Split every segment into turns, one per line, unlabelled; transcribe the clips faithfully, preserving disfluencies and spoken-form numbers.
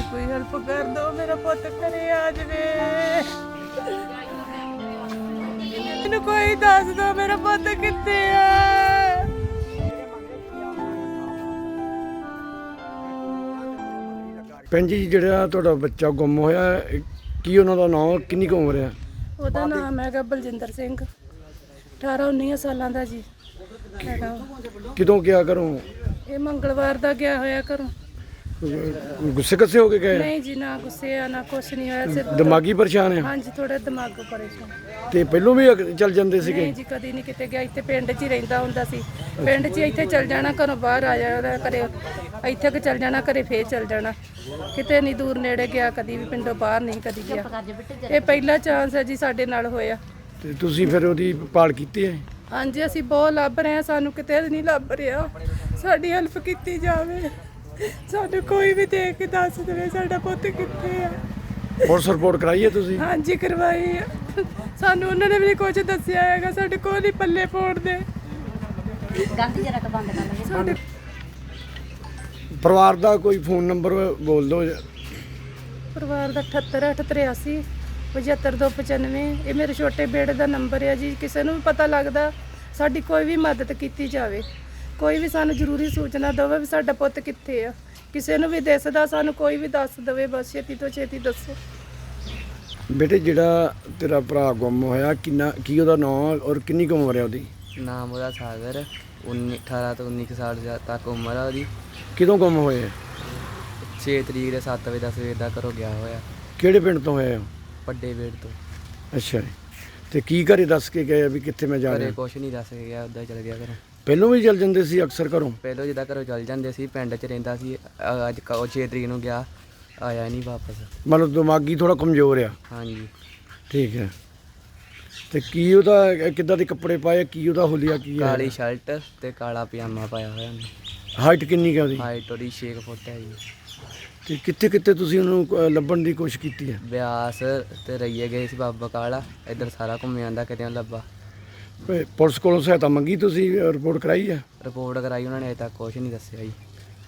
ਕੋਈ ਹੈਲਪ ਕਰ ਦੋ, ਮੇਰਾ ਪੁੱਤ ਘਰੇ ਆ ਜਾਵੇ। ਮੈਨੂੰ ਕੋਈ ਦੱਸ ਦੋ ਮੇਰਾ ਪੁੱਤ ਕਿੱਥੇ ਆ।
ਭੈਣ ਜੀ, ਜਿਹੜਾ ਤੁਹਾਡਾ ਬੱਚਾ ਗੁੰਮ ਹੋਇਆ, ਕੀ ਉਹਨਾਂ ਦਾ ਨਾਮ, ਕਿੰਨੀ ਕੁ ਉਮਰ ਹੈ?
ਉਹਦਾ ਨਾਮ ਹੈਗਾ ਬਲਜਿੰਦਰ ਸਿੰਘ, ਅਠਾਰਾਂ ਉੱਨੀ ਸਾਲਾਂ ਦਾ ਜੀ ਹੈਗਾ।
ਕਿਦੋਂ ਗਿਆ ਘਰੋਂ?
ਇਹ ਮੰਗਲਵਾਰ ਦਾ ਗਿਆ ਹੋਇਆ ਘਰੋਂ।
ਗੁੱਸੇ ਕੱਸੇ ਹੋ ਕੇ ਗਏ?
ਨਹੀਂ ਜੀ, ਨਾ ਗੁੱਸੇ ਆ ਨਾ ਕੁਛ ਨਹੀਂ ਹੋਇਆ, ਸਿਰਫ
ਦਿਮਾਗੀ ਪਰੇਸ਼ਾਨ ਹੈ?
ਹਾਂਜੀ ਥੋੜਾ ਦਿਮਾਗ ਪਰੇਸ਼ਾਨ।
ਤੇ ਪਹਿਲੋਂ ਵੀ ਅਗ- ਚੱਲ ਜਾਂਦੇ ਸੀਗੇ?
ਨਹੀਂ ਜੀ, ਕਦੀ ਨਹੀਂ ਕਿਤੇ ਗਿਆ। ਇੱਥੇ ਪਿੰਡ 'ਚ ਹੀ ਰਹਿੰਦਾ ਹੁੰਦਾ ਸੀ। ਪਿੰਡ 'ਚ ਹੀ ਇੱਥੇ ਚੱਲ ਜਾਣਾ, ਘਰੋਂ ਬਾਹਰ ਆ ਜਾਣਾ, ਘਰੇ ਇੱਥੇ ਕਿ ਚੱਲ ਜਾਣਾ, ਘਰੇ ਫੇਰ ਚੱਲ ਜਾਣਾ। ਕਿਤੇ ਨਹੀਂ ਦੂਰ ਨੇੜੇ ਗਿਆ, ਕਦੀ ਵੀ ਪਿੰਡੋਂ ਬਾਹਰ ਨਹੀਂ ਕਦੀ ਗਿਆ। ਇਹ ਪਹਿਲਾ ਚਾਂਸ ਹੈ ਜੀ ਸਾਡੇ ਨਾਲ ਹੋਇਆ।
ਤੇ ਤੁਸੀਂ ਫਿਰ ਉਹਦੀ ਭਾਲ ਕੀਤੀ ਹੈ?
ਹਾਂਜੀ, ਅਸੀਂ ਬਹੁਤ ਲੱਭ ਰਹੇ ਹਾਂ, ਸਾਨੂੰ ਕਿਤੇ ਨਹੀਂ ਲੱਭ ਰਿਹਾ। ਸਾਡੀ ਹੈਲਪ ਕੀਤੀ ਜਾਵੇ, ਸਾਨੂੰ ਕੋਈ ਵੀ ਦੇਖ ਕੇ ਦੱਸ ਦੇਵੇ ਸਾਡਾ ਪੁੱਤ ਕਿੱਥੇ ਆ।
ਪੁਲਿਸ ਰਿਪੋਰਟ ਕਰਾਈ ਹੈ ਤੁਸੀਂ?
ਹਾਂਜੀ ਕਰਵਾਈ ਆ। ਸਾਨੂੰ ਉਹਨਾਂ ਨੇ ਵੀ ਕੁਝ ਦੱਸਿਆ ਹੈਗਾ, ਸਾਡੇ ਕੋਲ ਹੀ ਪੱਲੇ ਪਾਉਣ ਦੇ।
ਗਾਂਧੀ ਜਰਾ ਬੰਦ ਕਰ ਲਵੇ।
ਸਾਡੇ
ਪਰਿਵਾਰ ਦਾ ਕੋਈ ਫੋਨ ਨੰਬਰ ਬੋਲ ਦਿਓ।
ਪਰਿਵਾਰ ਦਾ ਅਠੱਤਰ ਅੱਠ ਤਰਿਆਸੀ ਪਝੱਤਰ ਦੋ ਪਚਾਨਵੇਂ। ਇਹ ਮੇਰੇ ਛੋਟੇ ਬੇੜੇ ਦਾ ਨੰਬਰ ਹੈ ਜੀ। ਕਿਸੇ ਨੂੰ ਵੀ ਪਤਾ ਲੱਗਦਾ, ਸਾਡੀ ਕੋਈ ਵੀ ਮਦਦ ਕੀਤੀ ਜਾਵੇ। ਕੋਈ ਵੀ ਸਾਨੂੰ ਜ਼ਰੂਰੀ ਸੂਚਨਾ ਦੇਵੇ ਵੀ ਸਾਡਾ ਪੁੱਤ ਕਿੱਥੇ ਆ। ਕਿਸੇ ਨੂੰ ਵੀ ਦਿਸਦਾ ਸਾਨੂੰ ਕੋਈ ਵੀ ਦੱਸ ਦੇਵੇ, ਬਸ ਛੇਤੀ ਤੋਂ ਛੇਤੀ ਦੱਸੋ।
ਬੇਟੇ, ਜਿਹੜਾ ਤੇਰਾ ਭਰਾ ਗੁੰਮ ਹੋਇਆ, ਕਿੰਨਾ ਕੀ ਉਹਦਾ ਨਾਮ ਔਰ ਕਿੰਨੀ ਕੁ ਉਮਰ ਹੈ ਉਹਦੀ?
ਨਾਮ ਉਹਦਾ ਸਾਗਰ, ਉੱਨੀ ਅਠਾਰਾਂ ਤੋਂ ਉੱਨੀ ਕੁ ਸਾਲ ਜਾ- ਤੱਕ ਉਮਰ ਆ ਉਹਦੀ।
ਕਿਦੋਂ ਗੁੰਮ ਹੋਏ?
ਛੇ ਤਰੀਕ ਦੇ ਸੱਤ ਵਜੇ ਦਾ ਸਵੇਰ ਦਾ ਘਰੋਂ ਗਿਆ ਹੋਇਆ,
ਕਿਹੜੇ ਪਿੰਡ ਤੋਂ ਹੋਇਆ?
ਵੱਡੇ ਵੇੜ ਤੋਂ।
ਅੱਛਾ ਜੀ। ਤੇ ਕੀ ਘਰੇ ਦੱਸ ਕੇ ਗਏ ਆ ਵੀ ਕਿੱਥੇ ਮੈਂ ਜਾ
ਘਰੇ
ਰਿਹਾ?
ਕੁਛ ਨਹੀਂ ਦੱਸ ਕੇ ਗਿਆ, ਉੱਦਾਂ ਚਲ ਗਿਆ ਘਰੋਂ।
ਪਹਿਲੋਂ ਵੀ ਚੱਲ ਜਾਂਦੇ ਸੀ ਅਕਸਰ ਘਰੋਂ?
ਪਹਿਲਾਂ ਜਿੱਦਾਂ ਘਰੋਂ ਚੱਲ ਜਾਂਦੇ ਸੀ, ਪਿੰਡ 'ਚ ਰਹਿੰਦਾ ਸੀ। ਅ- ਅੱਜ ਕ- ਉਹ ਛੇ ਤਰੀਕ ਨੂੰ ਗਿਆ, ਆਇਆ ਨਹੀਂ ਵਾਪਸ।
ਮਤਲਬ ਦਿਮਾਗੀ ਥੋੜਾ ਕਮਜ਼ੋਰ ਆ?
ਹਾਂਜੀ।
ਠੀਕ ਹੈ। ਤੇ ਕੀ ਉਹਦਾ ਕਿੱਦਾਂ ਦੇ ਕੱਪੜੇ ਪਾਏ, ਕੀ ਉਹਦਾ ਹੁਲੀਆ ਕੀ ਹੈ?
ਕਾਲੀ ਸ਼ਰਟ ਤੇ ਕਾਲਾ ਪਜਾਮਾ ਪਾਇਆ ਹੋਇਆ ਉਹਨੇ।
ਹਾਈਟ ਕਿੰਨੀ ਕੁ ਹੈ ਉਹਦੀ?
ਹਾਈਟ ਉਹਦੀ ਛੇ ਕੁ ਫੁੱਟ ਹੈ ਜੀ।
ਤੇ ਕਿੱਥੇ ਕਿੱਥੇ ਤੁਸੀਂ ਉਹਨੂੰ ਅ, ਲੱਭਣ ਦੀ ਕੋਸ਼ਿਸ਼ ਕੀਤੀ ਹੈ?
ਬਿਆਸ ਤੇ ਰਈਏ ਗਏ ਸੀ, ਬਾਬਾ ਕਾਲਾ, ਇੱਧਰ ਸਾਰਾ ਘੁੰਮ ਜਾਂਦਾ, ਕਿਤੇ ਨਹੀਂ ਲੱਭਾ।
ਤੇ ਪੁਲਿਸ ਕੋਲੋਂ ਸਹਾਇਤਾ ਮੰਗੀ ਤੁਸੀਂ, ਰਿਪੋਰਟ ਕਰਾਈ ਹੈ?
ਰਿਪੋਰਟ ਕਰਾਈ ਉਹਨਾਂ ਨੇ, ਅਜੇ ਤੱਕ ਕੁਛ ਨਹੀਂ ਦੱਸਿਆ ਜੀ।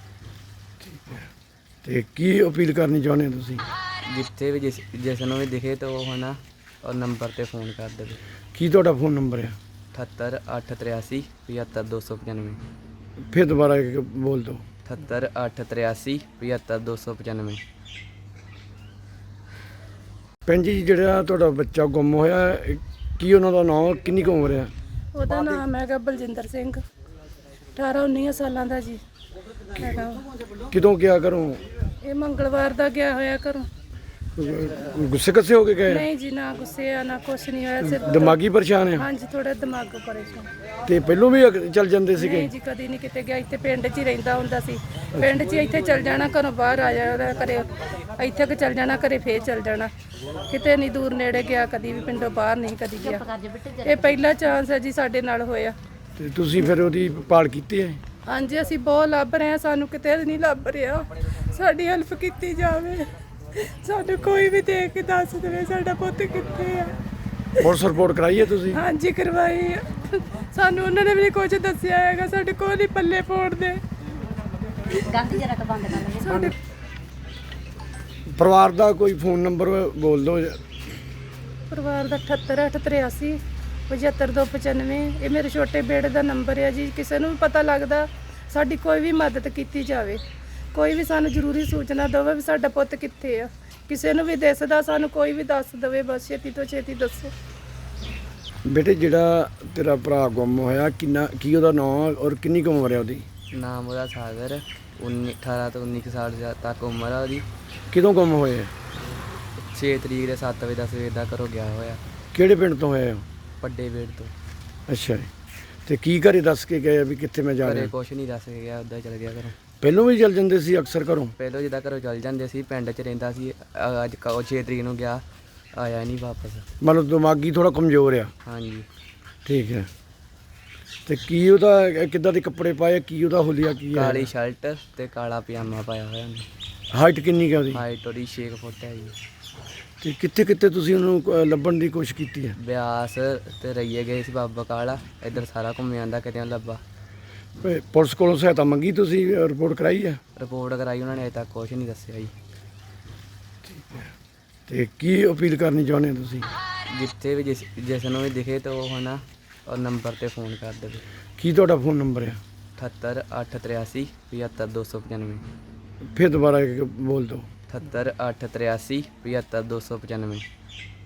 ਤੇ ਕੀ ਅਪੀਲ ਕਰਨੀ ਚਾਹੁੰਦੇ ਹੋ ਤੁਸੀਂ?
ਜਿੱਥੇ ਵੀ ਜਿਸ ਜਿਸ ਨੂੰ ਵੀ ਦਿਖੇ ਤਾਂ ਉਹ ਹਨਾ ਉਹ ਨੰਬਰ ਤੇ ਫੋਨ ਕਰ ਦੇਵੇ।
ਕੀ ਤੁਹਾਡਾ ਫੋਨ ਨੰਬਰ ਹੈ?
ਅਠੱਤਰ ਅੱਠ ਤਰਿਆਸੀ ਪਝੱਤਰ ਦੋ ਸੌ ਪਚਾਨਵੇਂ।
ਫਿਰ ਦੁਬਾਰਾ ਇੱਕ ਬੋਲ ਦਿਓ।
ਅਠੱਤਰ ਅੱਠ ਤਰਿਆਸੀ ਪਝੱਤਰ ਦੋ ਸੌ ਪਚਾਨਵੇਂ।
ਭੈਣ ਜੀ, ਜਿਹੜਾ ਤੁਹਾਡਾ ਬੱਚਾ ਗੁੰਮ ਹੋਇਆ, ਕੀ ਉਹਨਾਂ ਦਾ ਨਾਮ, ਕਿੰਨੀ ਕੁ ਉਮਰ ਹੈ?
ਉਹਦਾ ਨਾਮ ਹੈਗਾ ਬਲਜਿੰਦਰ ਸਿੰਘ, ਅਠਾਰਾਂ ਉੱਨੀ ਸਾਲਾਂ ਦਾ ਜੀ ਹੈਗਾ।
ਕਿਦੋਂ ਗਿਆ ਘਰੋਂ?
ਇਹ ਮੰਗਲਵਾਰ ਦਾ ਗਿਆ ਹੋਇਆ ਘਰੋਂ।
ਗੁੱਸੇ ਕੱਸੇ ਹੋ ਕੇ ਗਏ?
ਨਹੀਂ ਜੀ, ਨਾ ਗੁੱਸੇ ਆ ਨਾ ਕੁਛ ਨਹੀਂ ਹੋਇਆ, ਸਿਰਫ
ਦਿਮਾਗੀ ਪਰੇਸ਼ਾਨ ਹੈ?
ਹਾਂਜੀ ਥੋੜਾ ਦਿਮਾਗ ਪਰੇਸ਼ਾਨ।
ਤੇ ਪਹਿਲੋਂ ਵੀ ਅਗ- ਚੱਲ ਜਾਂਦੇ ਸੀਗੇ?
ਨਹੀਂ ਜੀ, ਕਦੀ ਨਹੀਂ ਕਿਤੇ ਗਿਆ। ਇੱਥੇ ਪਿੰਡ 'ਚ ਹੀ ਰਹਿੰਦਾ ਹੁੰਦਾ ਸੀ। ਪਿੰਡ 'ਚ ਹੀ ਇੱਥੇ ਚੱਲ ਜਾਣਾ, ਘਰੋਂ ਬਾਹਰ ਆ ਜਾਣਾ, ਘਰੇ ਇੱਥੇ ਕਿ ਚੱਲ ਜਾਣਾ, ਘਰੇ ਫੇਰ ਚੱਲ ਜਾਣਾ। ਕਿਤੇ ਨਹੀਂ ਦੂਰ ਨੇੜੇ ਗਿਆ, ਕਦੀ ਵੀ ਪਿੰਡੋਂ ਬਾਹਰ ਨਹੀਂ ਕਦੀ ਗਿਆ। ਇਹ ਪਹਿਲਾ ਚਾਂਸ ਹੈ ਜੀ ਸਾਡੇ ਨਾਲ ਹੋਇਆ।
ਤੇ ਤੁਸੀਂ ਫਿਰ ਉਹਦੀ ਭਾਲ ਕੀਤੀ ਹੈ?
ਹਾਂਜੀ, ਅਸੀਂ ਬਹੁਤ ਲੱਭ ਰਹੇ ਹਾਂ, ਸਾਨੂੰ ਕਿਤੇ ਨਹੀਂ ਲੱਭ ਰਿਹਾ। ਸਾਡੀ ਹੈਲਪ ਕੀਤੀ ਜਾਵੇ, ਸਾਨੂੰ ਕੋਈ ਵੀ ਦੇਖ ਕੇ ਦੱਸ ਦੇਵੇ ਸਾਡਾ ਪੁੱਤ ਕਿੱਥੇ ਆ।
ਪੁਲਿਸ ਰਿਪੋਰਟ ਕਰਾਈ ਹੈ ਤੁਸੀਂ?
ਹਾਂਜੀ ਕਰਵਾਈ ਆ। ਸਾਨੂੰ ਉਹਨਾਂ ਨੇ ਵੀ ਕੁਝ ਦੱਸਿਆ ਹੈਗਾ, ਸਾਡੇ ਕੋਲ ਹੀ ਪੱਲੇ ਪਾਉਣ ਦੇ।
ਗਾਂਧੀ ਜਰਾ ਬੰਦ ਕਰ ਲਵੇ।
ਸਾਡੇ
ਪਰਿਵਾਰ ਦਾ ਕੋਈ ਫੋਨ ਨੰਬਰ ਬੋਲ ਦਿਓ।
ਪਰਿਵਾਰ ਦਾ ਅਠੱਤਰ ਅੱਠ ਤਰਿਆਸੀ ਪਝੱਤਰ ਦੋ ਪਚਾਨਵੇਂ। ਇਹ ਮੇਰੇ ਛੋਟੇ ਬੇੜੇ ਦਾ ਨੰਬਰ ਹੈ ਜੀ। ਕਿਸੇ ਨੂੰ ਵੀ ਪਤਾ ਲੱਗਦਾ, ਸਾਡੀ ਕੋਈ ਵੀ ਮਦਦ ਕੀਤੀ ਜਾਵੇ। ਕੋਈ ਵੀ ਸਾਨੂੰ ਜ਼ਰੂਰੀ ਸੂਚਨਾ ਦੇਵੇ ਵੀ ਸਾਡਾ ਪੁੱਤ ਕਿੱਥੇ ਆ। ਕਿਸੇ ਨੂੰ ਵੀ ਦਿਸਦਾ, ਸਾਨੂੰ ਕੋਈ ਵੀ ਦੱਸ ਦੇਵੇ, ਬਸ ਛੇਤੀ ਤੋਂ ਛੇਤੀ ਦੱਸੋ।
ਬੇਟੇ, ਜਿਹੜਾ ਤੇਰਾ ਭਰਾ ਗੁੰਮ ਹੋਇਆ, ਕਿੰਨਾ ਕੀ ਉਹਦਾ ਨਾਮ ਔਰ ਕਿੰਨੀ ਕੁ ਉਮਰ ਹੈ ਉਹਦੀ?
ਨਾਮ ਉਹਦਾ ਸਾਗਰ, ਉੱਨੀ ਅਠਾਰਾਂ ਤੋਂ ਉੱਨੀ ਕੁ ਸਾਲ ਜਾ- ਤੱਕ ਉਮਰ ਆ ਉਹਦੀ।
ਕਿਦੋਂ ਗੁੰਮ ਹੋਏ?
ਛੇ ਤਰੀਕ ਦੇ ਸੱਤ ਵਜੇ ਦਾ ਸਵੇਰ ਦਾ ਘਰੋਂ ਗਿਆ ਹੋਇਆ,
ਕਿਹੜੇ ਪਿੰਡ ਤੋਂ ਹੋਏ ਹੋ?
ਵੱਡੇ ਵੇੜ ਤੋਂ।
ਅੱਛਾ ਜੀ। ਤੇ ਕੀ ਘਰੇ ਦੱਸ ਕੇ ਗਏ ਆ ਵੀ ਕਿੱਥੇ ਮੈਂ ਜਾ
ਘਰੇ
ਰਿਹਾ?
ਕੁਛ ਨਹੀਂ ਦੱਸ ਕੇ ਗਿਆ, ਉੱਦਾਂ ਚਲ ਗਿਆ ਘਰੋਂ।
ਪਹਿਲੋਂ ਵੀ ਚੱਲ ਜਾਂਦੇ ਸੀ ਅਕਸਰ ਘਰੋਂ?
ਪਹਿਲਾਂ ਜਿੱਦਾਂ ਘਰੋਂ ਚੱਲ ਜਾਂਦੇ ਸੀ, ਪਿੰਡ 'ਚ ਰਹਿੰਦਾ ਸੀ। ਅ- ਅੱਜ ਕ- ਉਹ ਛੇ ਤਰੀਕ ਨੂੰ ਗਿਆ, ਆਇਆ ਨਹੀਂ ਵਾਪਸ।
ਮਤਲਬ ਦਿਮਾਗੀ ਥੋੜਾ ਕਮਜ਼ੋਰ ਆ?
ਹਾਂਜੀ।
ਠੀਕ ਹੈ। ਤੇ ਕੀ ਉਹਦਾ ਕਿੱਦਾਂ ਦੇ ਕੱਪੜੇ ਪਾਏ, ਕੀ ਉਹਦਾ ਹੁਲੀਆ ਕੀ ਹੈ?
ਕਾਲੀ ਸ਼ਰਟ ਤੇ ਕਾਲਾ ਪਜਾਮਾ ਪਾਇਆ ਹੋਇਆ ਉਹਨੇ।
ਹਾਈਟ ਕਿੰਨੀ ਕੁ ਹੈ ਉਹਦੀ?
ਹਾਈਟ ਉਹਦੀ ਛੇ ਕੁ ਫੁੱਟ ਹੈ ਜੀ।
ਤੇ ਕਿੱਥੇ ਕਿੱਥੇ ਤੁਸੀਂ ਉਹਨੂੰ ਅ, ਲੱਭਣ ਦੀ ਕੋਸ਼ਿਸ਼ ਕੀਤੀ ਹੈ?
ਬਿਆਸ ਤੇ ਰਈਏ ਗਏ ਸੀ, ਬਾਬਾ ਕਾਲਾ, ਇੱਧਰ ਸਾਰਾ ਘੁੰਮ ਜਾਂਦਾ, ਕਿਤੇ ਨਹੀਂ ਲੱਭਾ।
ਤੇ ਪੁਲਿਸ ਕੋਲੋਂ ਸਹਾਇਤਾ ਮੰਗੀ ਤੁਸੀਂ, ਰਿਪੋਰਟ ਕਰਾਈ ਹੈ?
ਰਿਪੋਰਟ ਕਰਾਈ ਉਹਨਾਂ ਨੇ, ਅਜੇ ਤੱਕ ਕੁਛ ਨਹੀਂ ਦੱਸਿਆ ਜੀ।
ਤੇ ਕੀ ਅਪੀਲ ਕਰਨੀ ਚਾਹੁੰਦੇ ਹੋ ਤੁਸੀਂ?
ਜਿੱਥੇ ਵੀ ਜਿਸ ਜਿਸ ਨੂੰ ਵੀ ਦਿਖੇ ਤਾਂ ਉਹ ਹਨਾ ਉਹ ਨੰਬਰ ਤੇ ਫੋਨ ਕਰ ਦੇਵੇ।
ਕੀ ਤੁਹਾਡਾ ਫੋਨ ਨੰਬਰ ਆ?
ਅਠੱਤਰ ਅੱਠ ਤ੍ਰਿਆਸੀ ਪਝੱਤਰ ਦੋ ਸੌ ਪਚਾਨਵੇਂ।
ਫਿਰ ਦੁਬਾਰਾ ਇੱਕ ਬੋਲ ਦਿਓ।
ਅਠੱਤਰ ਅੱਠ ਤ੍ਰਿਆਸੀ ਪਝੱਤਰ ਦੋ ਸੌ ਪਚਾਨਵੇਂ।